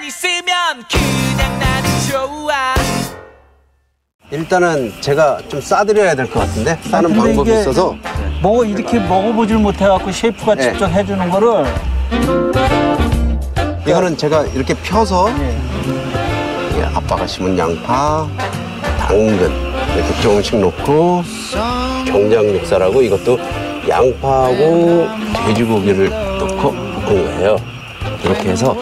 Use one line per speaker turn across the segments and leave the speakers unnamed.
있으면 그냥 나는 좋아.
일단은 제가 좀 싸드려야 될 것 같은데 싸는 방법이 있어서
뭐 이렇게 먹어보질 못해갖고 셰프가
네.
직접 해주는 거를
이거는 제가 이렇게 펴서 예, 아빠가 심은 양파, 당근 이렇게 조금씩 넣고 경장 육살하고 이것도 양파하고 돼지고기를 넣고 볶은 거예요. 이렇게 해서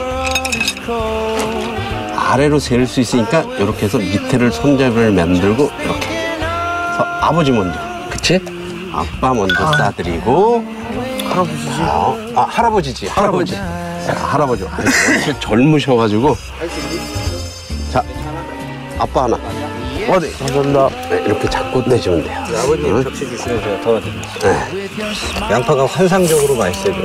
아래로 세울 수 있으니까 이렇게 해서 밑에를 손잡이를 만들고 이렇게 해서 아버지 먼저, 그치? 아빠 먼저 싸드리고 할아버지지? 할아버지지, 할아버지. 할아버지 아직 젊으셔가지고 자, 아빠 하나 어디? 감사합니다. 네, 이렇게 잡고 내주면 돼요.
아버님 접시 주시면 제가 도와드리겠습니다. 네. 양파가 환상적으로 맛있어요.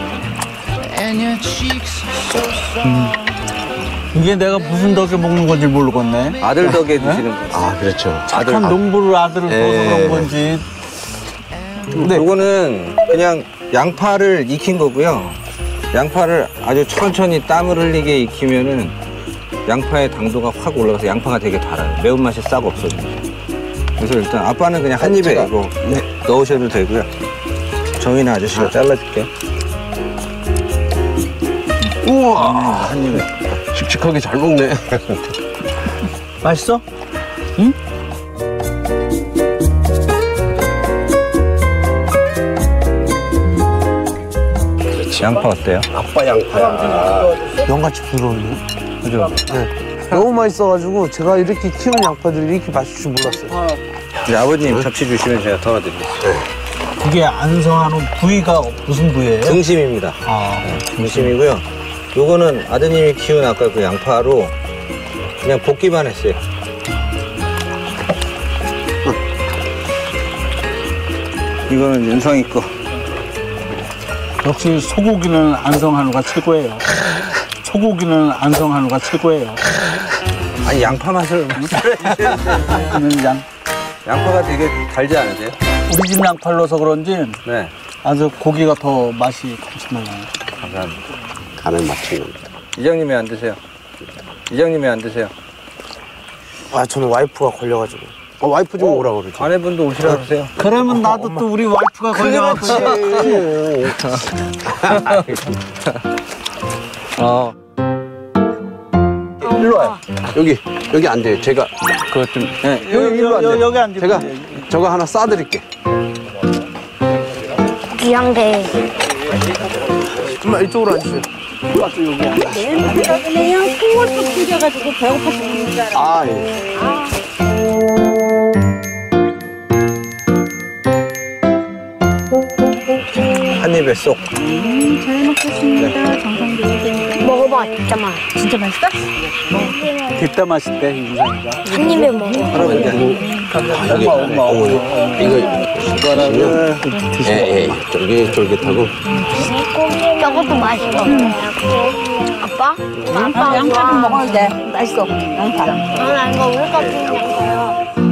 이게 내가 무슨 덕에 먹는 건지 모르겠네.
아들 덕에 드시는 거.
아, 그렇죠.
착한 농부를 아들을 둬서 그런 건지.
근데 요거는 그냥 양파를 익힌 거고요. 양파를 아주 천천히 땀을 흘리게 익히면은 양파의 당도가 확 올라가서 양파가 되게 달아요. 매운맛이 싹 없어져요. 그래서 일단 아빠는 그냥 한 입에 이거 넣으셔도 되고요. 정인아 아저씨가 잘라줄게요.
우와,
한 입에.
씩씩하게 잘 먹네.
맛있어? 응?
양파 어때요?
아빠 양파야.
양같이 부드러운데?
그죠?
너무 맛있어가지고 제가 이렇게 키우는 양파들이 이렇게 맛있을 줄 몰랐어요.
이제 아버님 접시 주시면 제가 도와드리겠습니다.
그게 안성하는 부위가 무슨 부위예요?
등심입니다.
아,
등심이고요. 요거는 아드님이 키운 아까 그 양파로 그냥 볶기만 했어요. 이거는 윤성이 거.
역시 소고기는 안성한우가 최고예요. 소고기는 안성한우가 최고예요.
아니 양파 맛을 양파가 되게 달지 않으세요?
우리 집 양파를 넣어서 그런지
네.
아주 고기가 더 맛이 감칠맛나요.
감사합니다.
간을 맞춘 겁니다.
이장님이 안 드세요. 이장님이 안 드세요.
아, 저는 와이프가 걸려가지고.
와이프 좀 오라고 그러지.
아내분도 오시라 그러세요.
그러면 나도 또 우리 와이프가 걸려갖고.
일로 와요. 여기 앉아요. 제가 그것 좀. 네, 일로 앉아요.
여기 앉으면
제가
돼.
저거 하나 싸드릴게.
귀한데.
엄마 이쪽으로 앉으세요.
그냥 통화도 튕겨가지고 배고파서 먹는 줄 알아.
아, 예.
한 입에 쏙.
잘 먹겠습니다. 정성드리세요. 먹어봐, 진짜 맛. 진짜 맛있어?
뒷담 맛있대, 인상이가.
한 입에 먹어.
여기 이거 숟가락을 예, 쫄깃쫄깃하고.
저것도 맛있어. 아빠? 아빠
양파 좀 먹어도 돼. 맛있어. 양파.
나 이거 우리 거